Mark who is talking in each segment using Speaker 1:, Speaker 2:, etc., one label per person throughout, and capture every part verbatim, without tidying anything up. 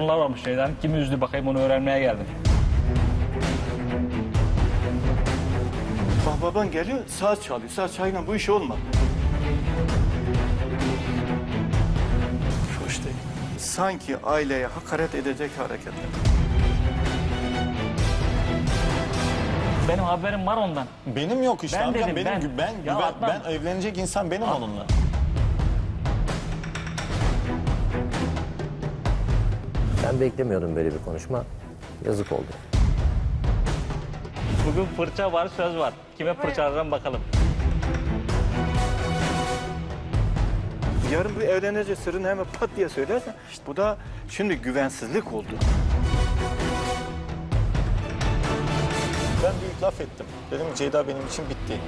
Speaker 1: konular varmış şeyden. Kimi üzdü bakayım, onu öğrenmeye geldim.
Speaker 2: Bak baban geliyor, saat çalıyor. Saat çayla bu iş olmaz. Hoş değil. Sanki aileye hakaret edecek hareketler.
Speaker 1: Benim haberim var ondan.
Speaker 3: Benim yok işte
Speaker 1: Ben
Speaker 3: amcam.
Speaker 1: dedim,
Speaker 3: benim
Speaker 1: ben.
Speaker 3: ben ben,
Speaker 1: Ya
Speaker 3: ben,
Speaker 1: Adnan.
Speaker 3: ben evlenecek insan benim onunla.
Speaker 4: Ben beklemiyordum böyle bir konuşma. Yazık oldu.
Speaker 1: Bugün fırça var, söz var. Kime fırçalarım bakalım.
Speaker 2: Yarın bu evlenecek sırrını hemen pat diye söylersen, işte bu da şimdi güvensizlik oldu.
Speaker 3: Ben büyük laf ettim. Dedim Ceyda benim için bitti.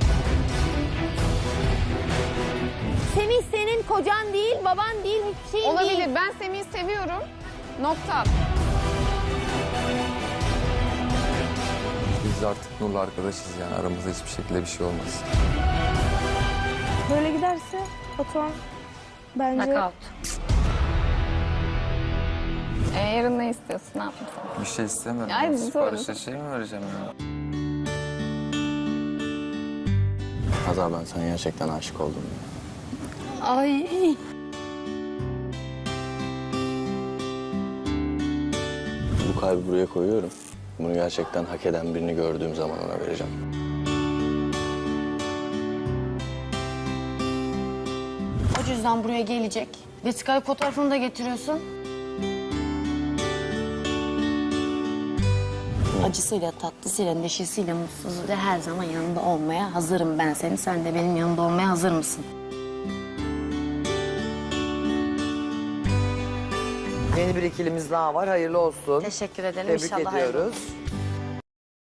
Speaker 5: Semih senin kocan değil, baban değil, hiçbir şeyin
Speaker 6: Olabilir.
Speaker 5: değil.
Speaker 6: Ben Semih'i seviyorum. Nokta.
Speaker 7: Biz artık Nur'la arkadaşız yani aramızda hiçbir şekilde bir şey olmaz.
Speaker 8: Böyle giderse Batuhan bence...
Speaker 5: Knockout.
Speaker 6: Ee, yarın ne istiyorsun? Ne yapayım sana?
Speaker 7: Bir şey istemiyorum.
Speaker 6: Ay,
Speaker 7: Siparişe
Speaker 6: doğru.
Speaker 7: şey mi vereceğim ya? Hazar ben sana gerçekten aşık oldum ya.
Speaker 5: Ay.
Speaker 7: Bu kalbi buraya koyuyorum. Bunu gerçekten hak eden birini gördüğüm zaman ona vereceğim.
Speaker 5: O cüzdan buraya gelecek. Vesikalık fotoğrafını da getiriyorsun. Acısıyla, tatlısıyla, neşesiyle, mutsuzluğuyla her zaman yanında olmaya hazırım ben senin. Sen de benim yanımda olmaya hazır mısın?
Speaker 9: Yeni bir ikilimiz daha var. Hayırlı olsun.
Speaker 5: Teşekkür ederim.
Speaker 9: Tebrik
Speaker 5: İnşallah hayırlı
Speaker 9: ediyoruz.
Speaker 5: olur.